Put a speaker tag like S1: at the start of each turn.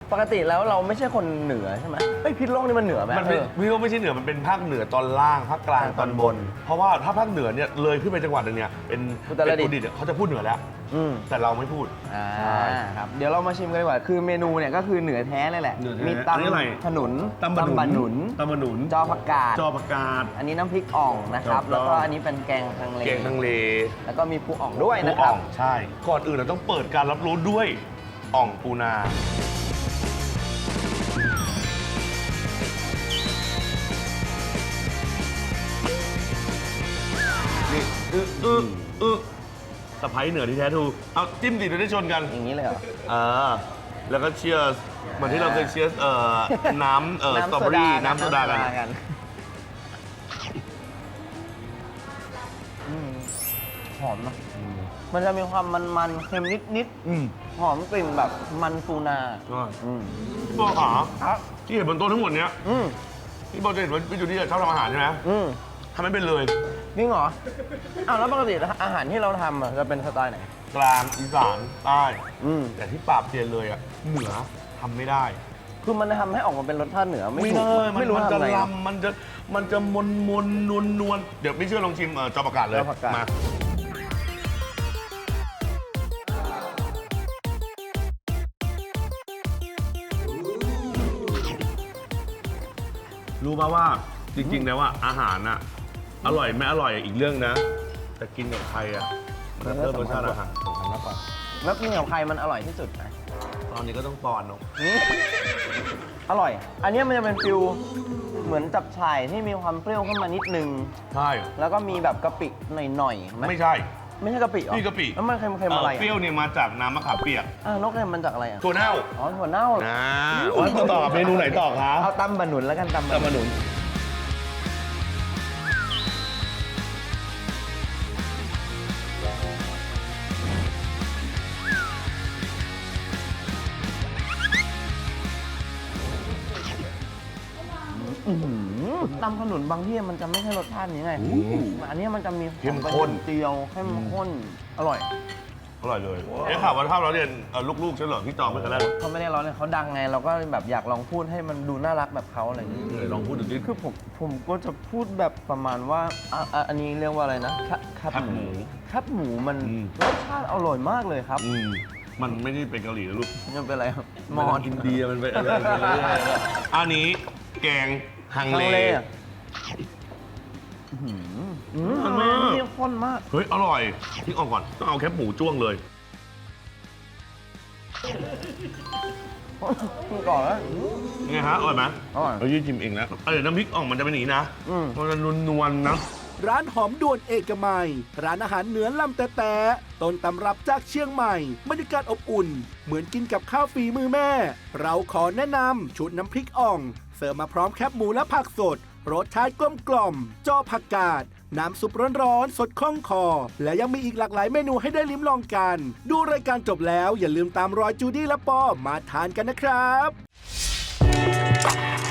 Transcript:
S1: ปกติแล้วเราไม่ใช่คนเหนือใช่ไหมเฮ้ยพิษณุโลกนี่มันเหนือไหม
S2: มันเป็นพี่ว่าไม่ใช่เหนือมันเป็นภาคเหนือตอนล่างภาคกลางตอนบน เพราะว่าถ้าภาคเหนือเนี่ยเลยขึ้นไปจังหวัดนึงเนี่ยเป็นอุตรดิตถ์เขาจะพูดเหนือแล้วแต่เราไม่พูด
S1: ครับเดี๋ยวเรามาชิมกันดีกว่าคือเมนูเนี่ยก็คือเหนือแท้เลยแหละมีตำขนุนตำบะหนุนจอผักกาดอันนี้น้ำพริกอ่องนะครับแล้วก็อันนี้เป็นแกงฮังเลแล้วก็มีปูอ่องด้วยนะครับ
S2: ใช่ก่อนอื่นเราต้องเปิดการรับรู้ด้วยอ่องปูนานี่สะพ้ายเหนือที่แท้ทูเอาจิ้มดิเราได้ชนกัน
S1: อย่างนี้เลยเหรอ
S2: แล้วก็เชียร์เหมือนที่เราเคยเชียร์น้ำสตรอเบอรี่น้ำโซดากัน
S1: หอมเนาะมันจะมีความมันเค็มนิดหอมกลิ่นแบบมันปูนา
S2: พี่บอลขาที่เห็นบนโต๊ะทั้งหมดเนี้ยพี่บอลจะเห็นว่าพี่จูดี้ชอบทำอาหารใช่ไหมทำไม่เป็นเลย
S1: จริงเหรออ้าวแล้วปกติอาหารที่เราทำจะเป็นสไตล์ไหน
S2: กลางอีสานใต้แต่ที่ปราบเซียนเลยอ่ะเหนือทำไม่ได้
S1: คือมันทำให้ออกมาเป็นรสชาติเหนือ
S2: ไม่เลยมันจะลำมันจะมนนวลเดี๋ยวไม่เชื่อลองชิมจอประกาศเลยมารู้ป่าว่าจริงๆแล้วว่าอาหารน่ะอร่อยไม่อร่อยอีกเรื่องนะแต่กินกับใครอ่ะมันเพิ่มรสชาติอาหารสำคัญมากกว่า
S1: แล้วกินกับใครมันอร่อยที่สุดไหม
S2: ตอนนี้ก็ต้องปอนเนาะ
S1: อร่อยอันนี้มันจะเป็นฟิลเหมือนจับฉ่ายที่มีความเปรี้ยวขึ้นมานิดนึง
S2: ใช่
S1: แล้วก็มีแบบกะปิหน่อยๆ
S2: ไม่ใช่
S1: กะปิหรอ
S2: นี่กะปิ
S1: แล้วมันเค็มๆอะไร
S2: เปรี้ยวเนี่ยมาจากน้ำมะขามเปียก
S1: นกเค็มมันจากอะไร
S2: ถั่วเน่า
S1: ถั่วเน่า
S2: ต่อเมนูไหนต่อครับ
S1: เอาตำบะหนุนแล้วกันตำบะหนุนตำขนุนบางที่มันจะไม่ใช่รสชาตินี้ไงอันนี้มันจะมี
S2: เข้มข้น
S1: เจียวเข้มข้นอร่อย
S2: เลยข่าวว่าถ้าเราเรียนลูกๆใช่เหรอพี่จอมไม่กันแล้ว
S1: เขาไม่ได้ร้อนเลยเขาดังไงเราก็แบบอยากลองพูดให้มันดูน่ารักแบบเขาอะไรอย่างนี้
S2: ลองพูดดูดิ
S1: คือผมก็จะพูดแบบประมาณว่าอันนี้เรียกว่าอะไรนะแคบหมูมันรสชาติอร่อยมากเลยครับ
S2: มันไม่ได้เป็นเกาหลีนะลูก
S1: มันเป็นอะไรครับ
S2: มออินเดียมันเป็นอะไรอันนี้แกงฮังเล
S1: มันนี่ข้นมาก
S2: เฮ้ยอร่อยทิ้งออกก่อนต้องเอาแคบหมูจ้วงเลย
S1: ก่อนแล้ว
S2: ไงฮะอร่อยไหม
S1: อร่อย
S2: เรายืดชิมเองนะน้ำพริกอ่องมันจะเป็นอย่างนี้นะมันจะนวลๆนะ
S3: ร้านหอมด่วนเอกมัยร้านอาหารเหนือลำแต่ต้นตำรับจากเชียงใหม่บรรยากาศอบอุ่นเหมือนกินกับข้าวฝีมือแม่เราขอแนะนำชุดน้ำพริกอ่องเสิร์ฟมาพร้อมแคบหมูและผักสดรสชาติกลมกล่อมจ้อผักกาดน้ำซุปร้อนๆสดคล่องคอและยังมีอีกหลากหลายเมนูให้ได้ลิ้มลองกันดูรายการจบแล้วอย่าลืมตามรอยจูดี้และปอมาทานกันนะครับ